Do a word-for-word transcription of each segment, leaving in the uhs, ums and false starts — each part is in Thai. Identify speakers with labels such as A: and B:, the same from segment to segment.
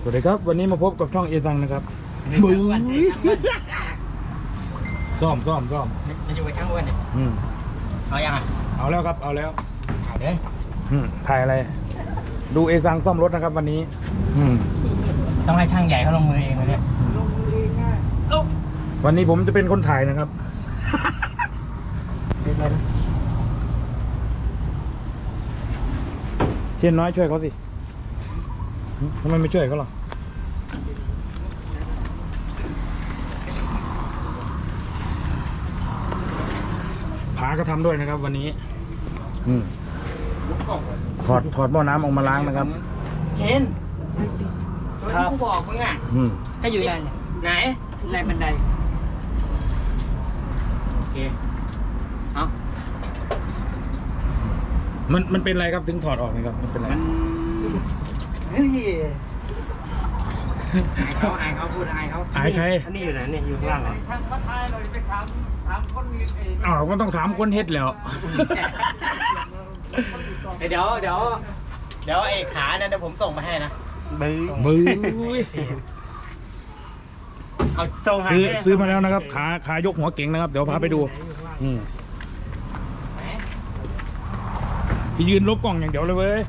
A: วัสดีครับวันนี้มาพบกับช่องเอซังนะครับบึ้งซ่อมซ่อมซ่อม
B: จะอยู่กับช่างอ้วนเนี่ย
A: อืม
B: เอายังอ่ะ
A: เอาแล้วครับเอาแล้ว
B: ถ่ายเลย
A: อืมถ่ายอะไรดูเอซังซ่อมรถนะครับวันนี้อืม
B: ต้องให้ช่างใหญ่เขาลงมือเองเลยเนี่ย
A: วันนี้ผมจะเป็นคนถ่ายนะครับเชียนน้อยช่วยเขาสิทำไมไม่ช่วยเขาหรอผาก็ทำด้วยนะครับวันนี้อืมถอดถอดหม้อน้ำออกมาล้างนะครับ
B: เชนตัวที่กูบอกมึงอ่ะก็อยู่ไหนไหนแรงบันไดโอเคเอา
A: มันมันเป็นอะไรครับถึงถอดออกนะครับมันเป็นอะไร
B: เฮ้ยอายเขาอายเขาพูดอายเขา
A: อายใคร
B: อันนี้อยู่ไหนเนี่ยอยู่ข้างล่างเหรอทางมาทายเลยไปถามถามคนมีเอง
A: อ้าวก็ต้องถามคนเฮ็ดแล้ว
B: เดี๋ยวเดี๋ยวเดี๋ยวไอ้ขาเนี่ยเดี๋ยวผมส่งมาให้นะ
A: บื้อบื้อ
B: เอาส่ง
A: ซื้อซื้อมาแล้วนะครับขาขายกหัวเก่งนะครับเดี๋ยวพาไปดูอืมพี่ยืนลบกล่องอย่างเดียวเลยเว้ย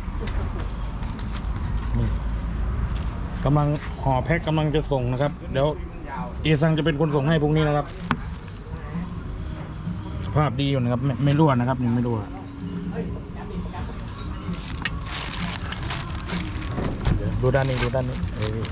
A: กำลังห่อแพ็คกำลังจะส่งนะครับเดี๋ยวเอซังจะเป็นคนส่งให้พรุ่งนี้นะครับสภาพดีอยู่นะครับไม่ไม่รั่วนะครับยังไม่รั่วดูด้านนี้ดูด้านนี้เออ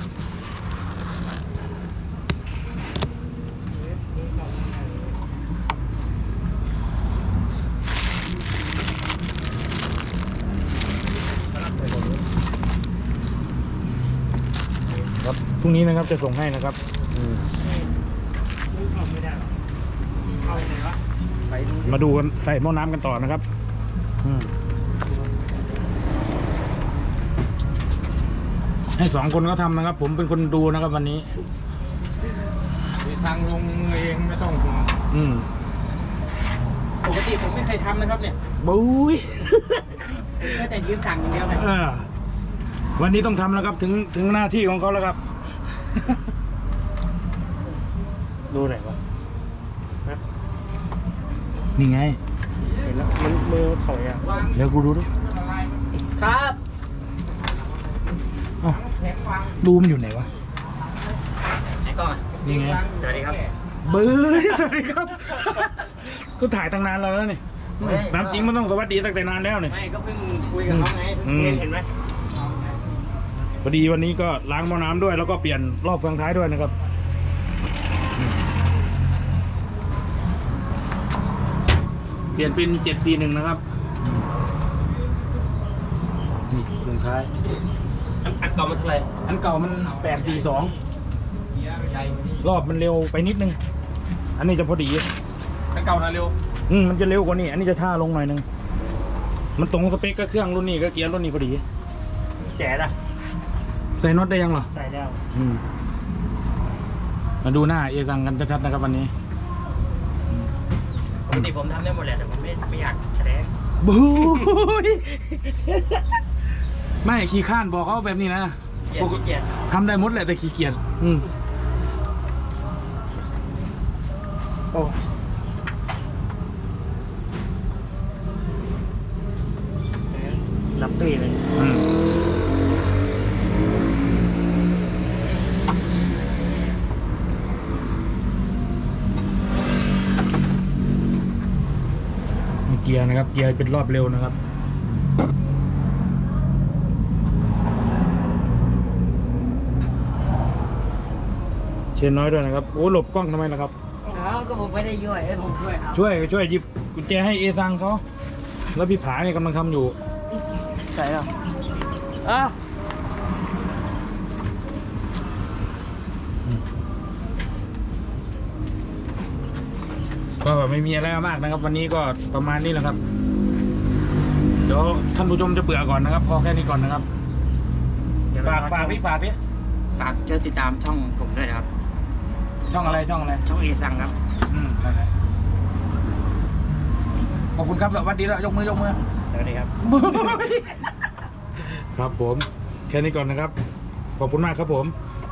A: ครับพรุ่งนี้นะครับจะส่งให้นะครับมาดูกันใส่หม้อน้ำกันต่อนะครับให้สองคนก็ทำนะครับผมเป็นคนดูนะครับวันนี้
B: ทางลงเองไม่ต้องห่วง
A: อืม
B: ปกติผมไม่เคยทำนะครับเนี่ย
A: บุ้ย
B: แค่แต่ยืนสั่งอย่างเดียวไง
A: วันนี้ต้องทำแล้วครับถึงถึงหน้าที่ของเขาแล้วครับดูไหนวะนี่ไง
B: เห็นแล้วมันมือถอยอ่ะ
A: เดี๋ยวกูดูด้วย
B: ครับ
A: ดูมันอยู่ไหนวะ
B: ไหนกล้องอ่ะ
A: นี่ไง
B: สวัสดีครับ
A: บื้อสวัสดีครับก็ถ่ายตั้งนานแล้วนี่น้ำจริงมันต้องสวัสดีตั้งแต่นานแล้วนี่
B: ไม่ก็เพิ่งคุยกับเขาไงเห็นไหม
A: พอดีวันนี้ก็ล้างหม้อน้ำด้วยแล้วก็เปลี่ยนรอบเฟืองท้ายด้วยนะครับเปลี่ยนเป็นเจ็ดสี่หนึ่งนะครับนี่เฟืองท้าย
B: อันเก่ามันเท่าไหร่
A: อันเก่ามันแปดสี่สองรอบมันเร็วไปนิดนึงอันนี้จะพอดี
B: อันเก่านะเร็ว
A: อืมมันจะเร็วกว่านี้อันนี้จะท่าลงหน่อยนึงมันตรงสเปคก็เครื่องรุ่นนี้ก็เกียร์รุ่นนี้พอดี
B: แจ๋ละ
A: ใส่น็อตได้ยังเหรอ
B: ใส่แล้ว
A: อืมมาดูหน้าเอซังกันชัดๆนะครับวันนี้
B: ปกติผมทำได้หมดแหละแต่ผมไม่ไม่อยากแสดง
A: บู๊ยไม่ขี้ข้านบอกเขาแบบนี้นะ
B: ขี้เกียจ
A: ทำได้หมดแหละแต่ขี้เกียจอืมโอ้
B: รับตีเลย
A: อืมเกียร์นะครับเกียร์เป็นรอบเร็วนะครับเชนน้อยด้วยนะครับโอ้หลบกล้องทำไมล่ะครับ
B: อ้าวก็ผมไม่ได้ช่วยผมช่วย
A: ช่วยช่วยหยิบกุญแจให้เอซังเขาแล้วพี่ผาเนี่ยกำลังทำอยู่
B: ใช่หรออ่ะ
A: ก็ไม่มีอะไรมากนะครับวันนี้ก็ประมาณนี้แหละครับเดี๋ยวท่านผู้ชมจะเบื่อก่อนนะครับพอแค่นี้ก่อนนะครับฝากฝากพี่ฝากพี่
B: ฝากช่วยติดตามช่องผมด้วยนะครับ
A: ช่องอะไรช่องอะไร
B: ช่องเอซังครับ
A: อืมขอบคุณครับสวัสดีแล้วยกมือยกมือ
B: สวัสดีครับ
A: ครับผมแค่นี้ก่อนนะครับขอบคุณมากครับผม